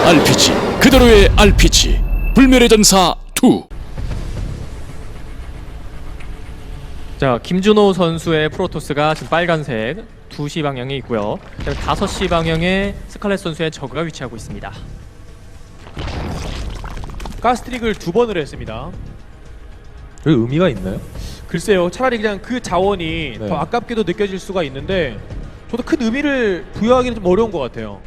RPG 그대로의 RPG 불멸의 전사 2. 자, 김준호 선수의 프로토스가 지금 빨간색 2시 방향에 있고요. 그다음에 5시 방향에 스칼렛 선수의 저그가 위치하고 있습니다. 가스트릭을 2번을 했습니다. 그 의미가 있나요? 글쎄요, 차라리 그냥 그 자원이 네. 더 아깝게도 느껴질 수가 있는데 저도 큰 의미를 부여하기는 좀 어려운 것 같아요.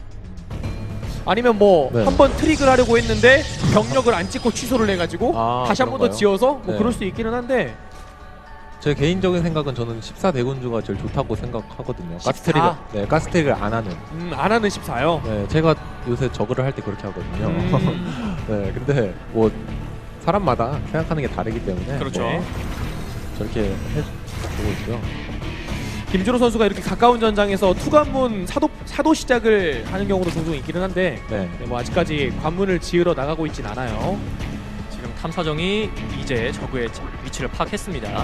아니면 뭐 네. 한 번 트릭을 하려고 했는데 병력을 안 찍고 취소를 해가지고 아, 다시 한 번 더 그런가요? 지어서 뭐 네. 그럴 수 있기는 한데 제 개인적인 생각은 저는 14대군주가 제일 좋다고 생각하거든요. 14? 가스트릭을 안 하는. 안 하는 14요. 네, 제가 요새 저그를 할 때 그렇게 하거든요. 네, 근데 뭐 사람마다 생각하는 게 다르기 때문에 그렇죠. 뭐 저렇게 해주고 있고요. 김준호 선수가 이렇게 가까운 전장에서 투관문 사도 시작을 하는 경우도 종종 있기는 한데 네, 네, 뭐 아직까지 관문을 지으러 나가고 있진 않아요. 지금 탐사정이 이제 저그의 위치를 파악했습니다.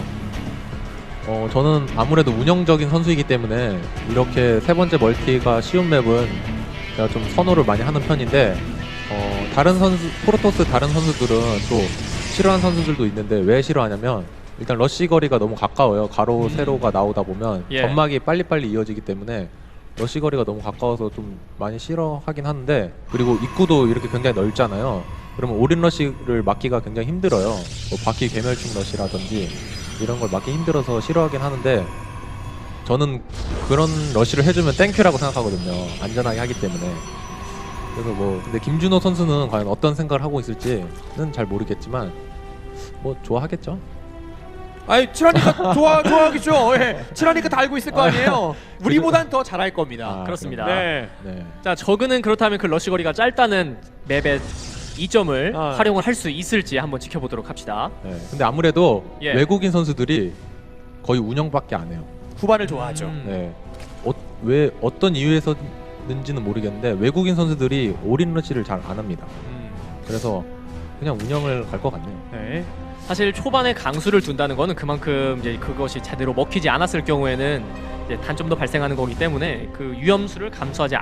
저는 아무래도 운영적인 선수이기 때문에 이렇게 세 번째 멀티가 쉬운 맵은 제가 좀 선호를 많이 하는 편인데 다른 선수 프로토스 다른 선수들은 또 싫어하는 선수들도 있는데 왜 싫어하냐면 일단 러쉬 거리가 너무 가까워요. 가로 세로가 나오다 보면 예. 점막이 빨리빨리 이어지기 때문에 러쉬 거리가 너무 가까워서 좀 많이 싫어하긴 하는데, 그리고 입구도 이렇게 굉장히 넓잖아요. 그러면 올인 러쉬를 막기가 굉장히 힘들어요. 뭐 바퀴 괴멸충 러쉬라든지 이런 걸 막기 힘들어서 싫어하긴 하는데, 저는 그런 러쉬를 해주면 땡큐라고 생각하거든요. 안전하게 하기 때문에. 그래서 뭐 근데 김준호 선수는 과연 어떤 생각을 하고 있을지는 잘 모르겠지만 뭐 좋아하겠죠. 아니 칠하니까 좋아하겠죠. 예. 칠하니까 다 알고 있을 거 아니에요. 우리보단 더 잘할 겁니다. 아, 그렇습니다. 네. 네. 자, 저그는 그렇다면 그 러시 거리가 짧다는 맵의 이점을 아. 활용을 할 수 있을지 한번 지켜보도록 합시다. 네. 근데 아무래도 예. 외국인 선수들이 거의 운영밖에 안 해요. 후반을 좋아하죠. 네. 왜 어떤 이유에서는지는 모르겠는데 외국인 선수들이 올인 러시를 잘 안 합니다. 그래서 그냥 운영을 갈 것 같네요. 네. 사실 초반에 강수를 둔다는 거는 그만큼 이제 그것이 제대로 먹히지 않았을 경우에는 이제 단점도 발생하는 거기 때문에 그 위험수를 감수하지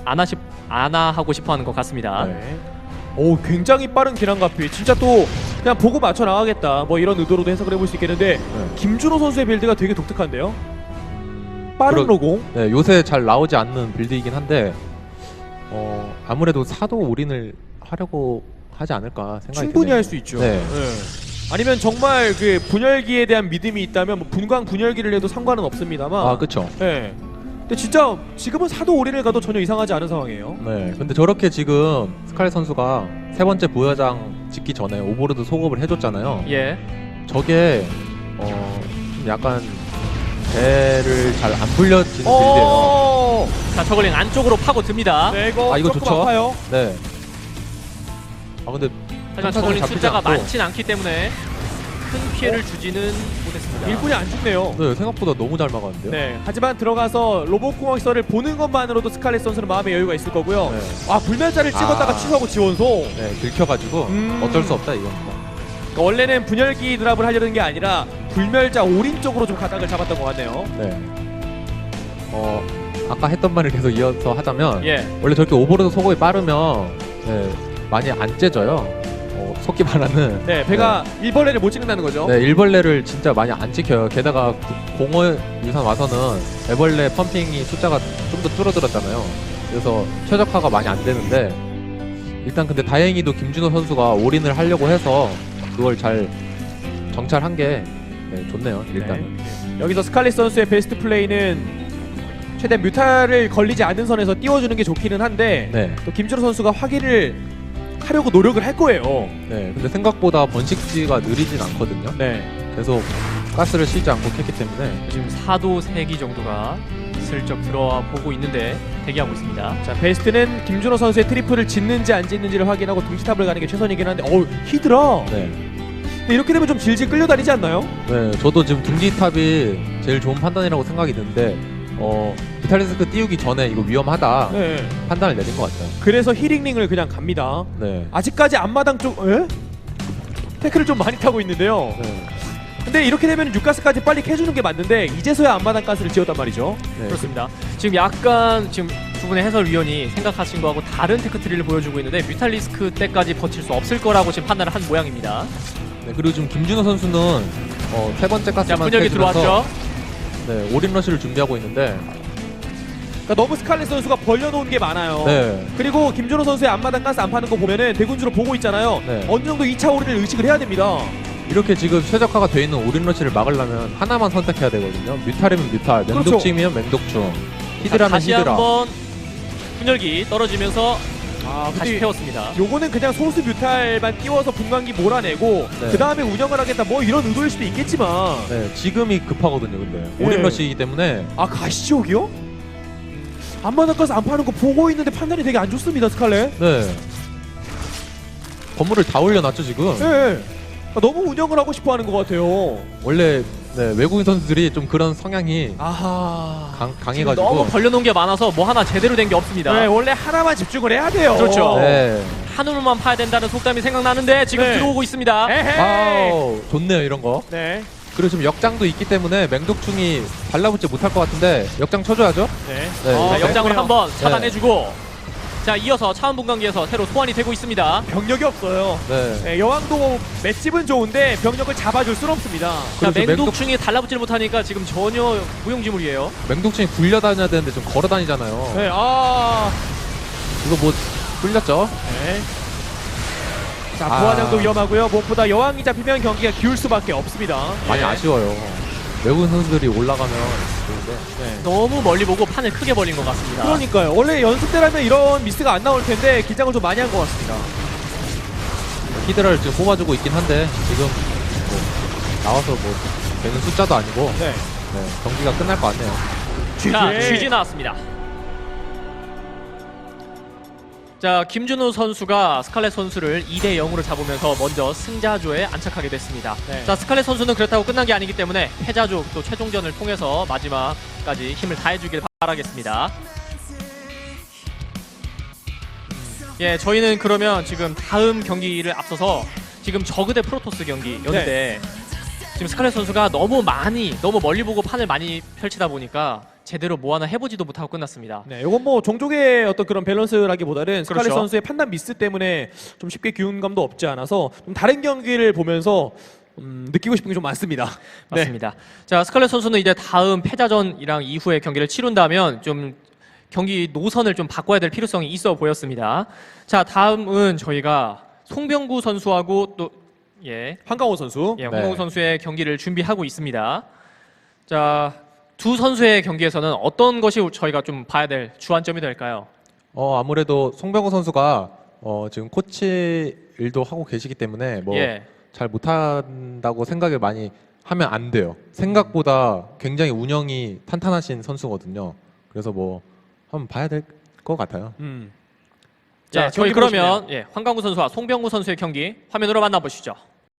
않아 하고 싶어하는 것 같습니다. 네. 오, 굉장히 빠른 기량가피. 진짜 또 그냥 보고 맞춰 나가겠다. 뭐 이런 의도로도 해석을 해볼 수 있겠는데 네. 김준호 선수의 빌드가 되게 독특한데요. 빠른 로공. 네, 요새 잘 나오지 않는 빌드이긴 한데 아무래도 사도 올인을 하려고 하지 않을까 생각이 충분히 드네요. 할 수 있죠. 네. 네. 아니면 정말 그 분열기에 대한 믿음이 있다면 뭐 분광 분열기를 해도 상관은 없습니다만. 아, 그렇죠. 네. 근데 진짜 지금은 사도 올인을 가도 전혀 이상하지 않은 상황이에요. 네. 근데 저렇게 지금 스칼렛 선수가 세 번째 부여장 짓기 전에 오버로드 소급을 해줬잖아요. 예. 저게 좀 약간 배를 잘 안 불려지는 빌드예요. 어. 자, 저글링 안쪽으로 파고 듭니다. 네, 이거 이거 조금 좋죠? 아파요. 네. 아 근데 하지만 탐사정이 저글링 잡히지 숫자가 않고. 많진 않기 때문에 큰 피해를 주지는 못했습니다. 일꾼이 안 죽네요. 네, 생각보다 너무 잘 막았는데요. 네. 하지만 들어가서 로봇공학설을 보는 것만으로도 스칼렛 선수는 마음의 여유가 있을 거고요. 네. 아, 불멸자를 찍었다가 아. 취소하고 지원소. 네, 들켜가지고 어쩔 수 없다 이겁니다. 그러니까 원래는 분열기 드랍을 하려는 게 아니라 불멸자 올인 쪽으로 좀 가닥을 잡았던 것 같네요. 네. 아까 했던 말을 계속 이어서 하자면 예. 원래 저렇게 오버로드 소급이 빠르면 네, 많이 안 째져요. 속기 말하는 네, 배가 일벌레를 못 찍는다는 거죠. 네, 일벌레를 진짜 많이 안 지켜요. 게다가 공허 유산 와서는 애벌레 펌핑이 숫자가 좀 더 줄어들었잖아요. 그래서 최적화가 많이 안 되는데 일단 근데 다행히도 김준호 선수가 올인을 하려고 해서 그걸 잘 정찰한 게 좋네요. 일단은. 네. 여기서 스칼렛 선수의 베스트 플레이는 최대한 뮤탈을 걸리지 않는 선에서 띄워주는 게 좋기는 한데 네. 또 김준호 선수가 확인을 하려고 노력을 할 거예요. 네. 근데 생각보다 번식지가 느리진 않거든요. 네. 계속 가스를 쉬지 않고 캤기 때문에 지금 사도 3기 정도가 슬쩍 들어와 보고 있는데 대기하고 있습니다. 자, 베스트는 김준호 선수의 트리플을 짓는지 안 짓는지를 확인하고 둥지탑을 가는 게 최선이긴 한데 히드라. 네. 근데 이렇게 되면 좀 질질 끌려다니지 않나요? 네, 저도 지금 둥지탑이 제일 좋은 판단이라고 생각이 드는데 비탈리스크 띄우기 전에 이거 위험하다 네. 판단을 내린 것 같아요. 그래서 히링링을 그냥 갑니다. 네. 아직까지 앞마당 쪽 태클을 좀 많이 타고 있는데요. 네. 근데 이렇게 되면 육가스까지 빨리 캐주는 게 맞는데 이제서야 앞마당 가스를 지었단 말이죠. 네. 그렇습니다. 지금 약간 지금 두 분의 해설위원이 생각하신 거하고 다른 테크트리를 보여주고 있는데 뮤탈리스크 때까지 버틸 수 없을 거라고 지금 판단을 한 모양입니다. 네, 그리고 지금 김준호 선수는 세 번째 자, 가스만 분열기 빼주면서 들어왔죠. 네, 올인 러시를 준비하고 있는데 그러니까 너무 스칼렛 선수가 벌려놓은 게 많아요. 네. 그리고 김준호 선수의 앞마당 가스 안 파는 거 보면은 대군주로 보고 있잖아요. 네. 어느 정도 2차 올인을 의식을 해야 됩니다. 이렇게 지금 최적화가 돼 있는 올인 러시를 막으려면 하나만 선택해야 되거든요. 뮤탈이면 뮤탈, 그렇죠. 맹독충이면 맹독충, 자, 히드라면 다시 히드라. 한번 분열기 떨어지면서 다시 근데 태웠습니다. 요거는 그냥 소수 뮤탈만 띄워서 분광기 몰아내고 네. 그 다음에 운영을 하겠다 뭐 이런 의도일 수도 있겠지만 네, 지금이 급하거든요. 근데 네. 올인 러시이기 때문에 가시지옥이요? 앞마당 가스 안 파는 거 보고 있는데 판단이 되게 안 좋습니다 스칼렛. 네. 건물을 다 올려놨죠 지금. 네. 너무 운영을 하고 싶어 하는 것 같아요. 원래 네, 외국인 선수들이 좀 그런 성향이 아하. 지금 강해가지고. 너무 벌려놓은 게 많아서 뭐 하나 제대로 된 게 없습니다. 네, 원래 하나만 집중을 해야 돼요. 그렇죠. 네. 한우만 파야 된다는 속담이 생각나는데 지금 네. 들어오고 있습니다. 에헤이. 아우 좋네요 이런 거. 네. 그리고 지금 역장도 있기 때문에 맹독충이 달라붙지 못할 것 같은데 역장 쳐줘야죠. 네. 네. 자, 네. 역장을 한번 네. 차단해주고 자, 이어서 차원 분광기에서 새로 소환이 되고 있습니다. 병력이 없어요. 네. 네, 여왕도 맷집은 좋은데 병력을 잡아줄 수는 없습니다. 자, 그래서 맹독충이 달라붙질 못하니까 지금 전혀 무용지물이에요. 맹독충이 굴려 다녀야 되는데 좀 걸어 다니잖아요. 네, 이거 뭐 굴렸죠? 네. 자, 아. 부하장도 위험하고요. 무엇보다 여왕이 잡히면 경기가 기울 수밖에 없습니다. 많이 예. 아쉬워요. 외국인 선수들이 올라가면 좋은데. 네. 너무 멀리 보고 판을 크게 벌린 것 같습니다. 그러니까요. 원래 연습 때라면 이런 미스가 안 나올 텐데 긴장을 좀 많이 한 것 같습니다. 히드라를 지금 뽑아주고 있긴 한데 지금 뭐 나와서 뭐 되는 숫자도 아니고 네. 네, 경기가 끝날 것 같네요. 자, GG 나왔습니다. 자, 김준호 선수가 스칼렛 선수를 2대 0으로 잡으면서 먼저 승자조에 안착하게 됐습니다. 네. 자, 스칼렛 선수는 그렇다고 끝난 게 아니기 때문에 패자조 또 최종전을 통해서 마지막까지 힘을 다해주길 바라겠습니다. 예, 저희는 그러면 지금 다음 경기를 앞서서 지금 저그 대 프로토스 경기였는데 지금 스칼렛 선수가 너무 멀리 보고 판을 많이 펼치다 보니까 제대로 뭐 하나 해보지도 못하고 끝났습니다. 네, 이건 뭐 종족의 어떤 그런 밸런스라기보다는 스칼렛 그렇죠. 선수의 판단 미스 때문에 좀 쉽게 기운감도 없지 않아서 좀 다른 경기를 보면서 느끼고 싶은 게 좀 많습니다. 네. 맞습니다. 자, 스칼렛 선수는 이제 다음 패자전이랑 이후의 경기를 치룬다면 좀 경기 노선을 좀 바꿔야 될 필요성이 있어 보였습니다. 자, 다음은 저희가 송병구 선수하고 또 한강호 선수. 홍명우 선수의 경기를 준비하고 있습니다. 자, 두 선수의 경기에서는 어떤 것이 저희가 좀 봐야 될 주안점이 될까요? 아무래도 송병호 선수가 지금 코치 일도 하고 계시기 때문에 뭐 잘 못한다고 생각을 많이 하면 안 돼요. 생각보다 굉장히 운영이 탄탄하신 선수거든요. 그래서 뭐 한번 봐야 될 것 같아요. 자, 저희 경기 보시면. 그러면 황강우 선수와 송병구 선수의 경기 화면으로 만나보시죠.